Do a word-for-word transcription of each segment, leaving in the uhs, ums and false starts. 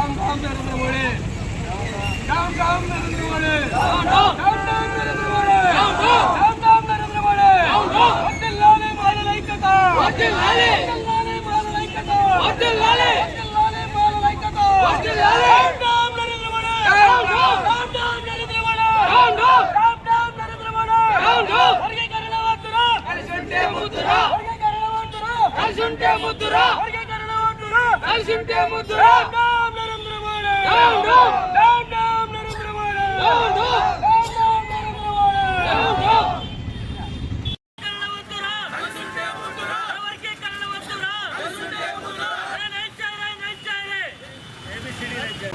राम राम नरेंद्र मोदी राम राम नरेंद्र मोदी राम राम नरेंद्र मोदी राम राम नरेंद्र मोदी वड्डिल्लाले माललैक्यता वड्डिल्लाले वड्डिल्लाले माललैक्यता वड्डिल्लाले वड्डिल्लाले माललैक्यता वड्डिल्लाले राम राम नरेंद्र मोदी राम राम राम नरेंद्र मोदी राम राम राम नरेंद्र मोदी राम राम वर्गीकरण वद्దురా కలిసుంటే ముద్దురా वर्गीकरण वद्దురా కలిసుంటే ముద్దురా वर्गीकरण वद्దురా కలిసుంటే ముద్దురా राम नरेंद्र मोदी राम राम राम नरेंद्र मोदी राम राम राम नरेंद्र मोदी राम राम वद्దురా కలిసుంటే ముద్దురా वर्गीकरण वद्దురా కలిసుంటే ముద్దురా నైచారే నైచారే ఏబిసిడి నైచారే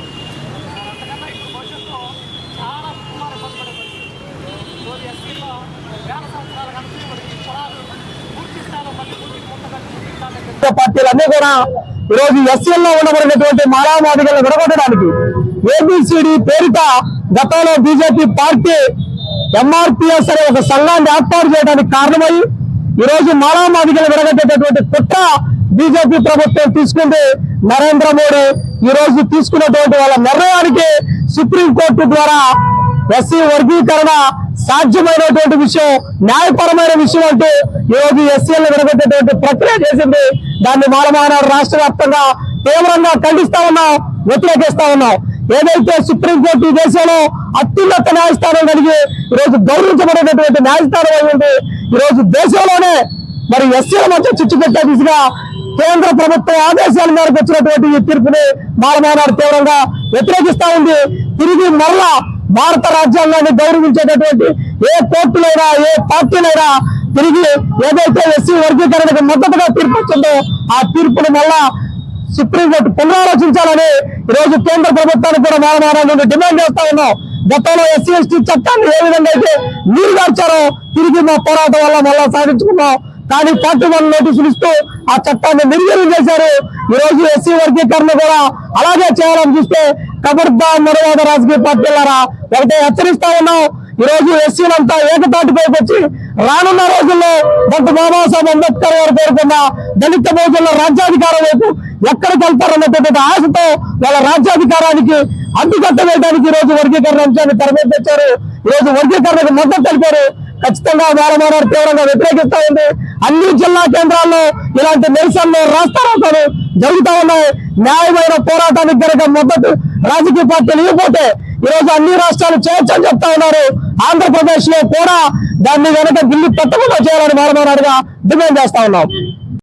అంతకన్నా ఇప్పుడు భవిష్యత్తులో చాలా కుమార పడబడి రోజు ఎస్సీలో వేల సంవత్సరాల కనుక పొలాలు పూర్తి స్థాయిలో మళ్ళీ పూర్తి కొత్తగా పార్టీలన్నీ కూడా ఈరోజు ఎస్సీల్లో ఉండబడినటువంటి మాలామాదిగలను విడగొట్టడానికి ఏబిసిడి పేరిట గతంలో బీజేపీ పార్టీ ఎంఆర్పిఎస్ అనే ఒక సంఘాన్ని ఏర్పాటు చేయడానికి కారణమై ఈరోజు మాలామాదిగలను విడగొట్టేటటువంటి కుట్ర బీజేపీ ప్రభుత్వం తీసుకుంది. నరేంద్ర మోడీ ఈ రోజు తీసుకున్నటువంటి వాళ్ళ నిర్ణయానికి సుప్రీంకోర్టు ద్వారా ఎస్సీ వర్గీకరణ సాధ్యమైనటువంటి విషయం, న్యాయపరమైన విషయం అంటూ ఈ రోజు ఎస్సీలను విడగొట్టేటువంటి ప్రక్రియ చేసింది. దాన్ని మాలమానాడు రాష్ట్ర వ్యాప్తంగా తీవ్రంగా ఖండిస్తా ఉన్నాం, వ్యతిరేకిస్తా ఉన్నాం. ఏదైతే సుప్రీంకోర్టు ఈ దేశంలో అత్యున్నత న్యాయస్థానం కలిగి ఈరోజు గౌరవించబడేటటువంటి న్యాయస్థానం అయింది. ఈరోజు దేశంలోనే మరి ఎస్సీల మధ్య చిచ్చు పెట్టే దిశగా కేంద్ర ప్రభుత్వ ఆదేశాల మేరకు వచ్చినటువంటి ఈ తీర్పుని మాలమానాడు తీవ్రంగా వ్యతిరేకిస్తా ఉంది. తిరిగి మరలా భారత రాజ్యాంగాన్ని గౌరవించేటటువంటి ఏ కోర్టులైనా ఏ పార్టీలైనా తిరిగి ఏదైతే ఎస్సీ వర్గీకరణకు మద్దతుగా తీర్పు వచ్చిందో ఆ తీర్పును మళ్ళా సుప్రీంకోర్టు పునరాలోచించాలని ఈరోజు కేంద్ర ప్రభుత్వానికి కూడా మాలమానాడు డిమాండ్ చేస్తా ఉన్నాం. గతంలో ఎస్సీ ఎస్టీ చట్టాన్ని ఏ విధంగా అయితే నీరు గార్చారో తిరిగి మా పోరాటం వల్ల మళ్ళా సాధించుకున్నాం. కానీ పార్టీ వాళ్ళు నోటీసులు ఇస్తూ ఆ చట్టాన్ని నిర్వీర్యం చేశారు. ఈ రోజు ఎస్సీ వర్గీకరణ కూడా అలాగే చేయాలని చూస్తే కబర్దా మరవాద రాజకీయ పార్టీలారా ఒకటే హెచ్చరిస్తా ఉన్నాం. ఈ రోజు ఎస్సీలంతా ఏకతాటిపైకి వచ్చి రానున్న రోజుల్లో డాక్టర్ బాబాసాహెబ్ అంబేద్కర్ గారు పేర్కొన్న దళిత బహుజనుల రాజ్యాధికారం వైపు ఎక్కడికి వెళ్తారన్నటువంటి ఆశతో వాళ్ళ రాజ్యాధికారానికి అడ్డుకట్ట వేయడానికి ఈ రోజు వర్గీకరణ అంశాన్ని తెరమీద తెచ్చారు. ఈ రోజు వర్గీకరణకు మద్దతు తెలిపారు. ఖచ్చితంగా మాలమానాడు తీవ్రంగా వ్యతిరేకిస్తా ఉంది. అన్ని జిల్లా కేంద్రాల్లో ఇలాంటి నిరసనలు రాస్తారోకలు జరుగుతా ఉన్నాయి. న్యాయమైన పోరాటానికి కనుక మద్దతు రాజకీయ పార్టీలు ఇవ్వకపోతే ఈ రోజు అన్ని రాష్ట్రాలు చేయొచ్చని చెప్తా ఉన్నారు. ఆంధ్రప్రదేశ్ లో కూడా దాన్ని కనుక ఢిల్లీ పెట్టకుండా చేయాలని మాలమానాడుగా డిమాండ్ చేస్తా ఉన్నాం.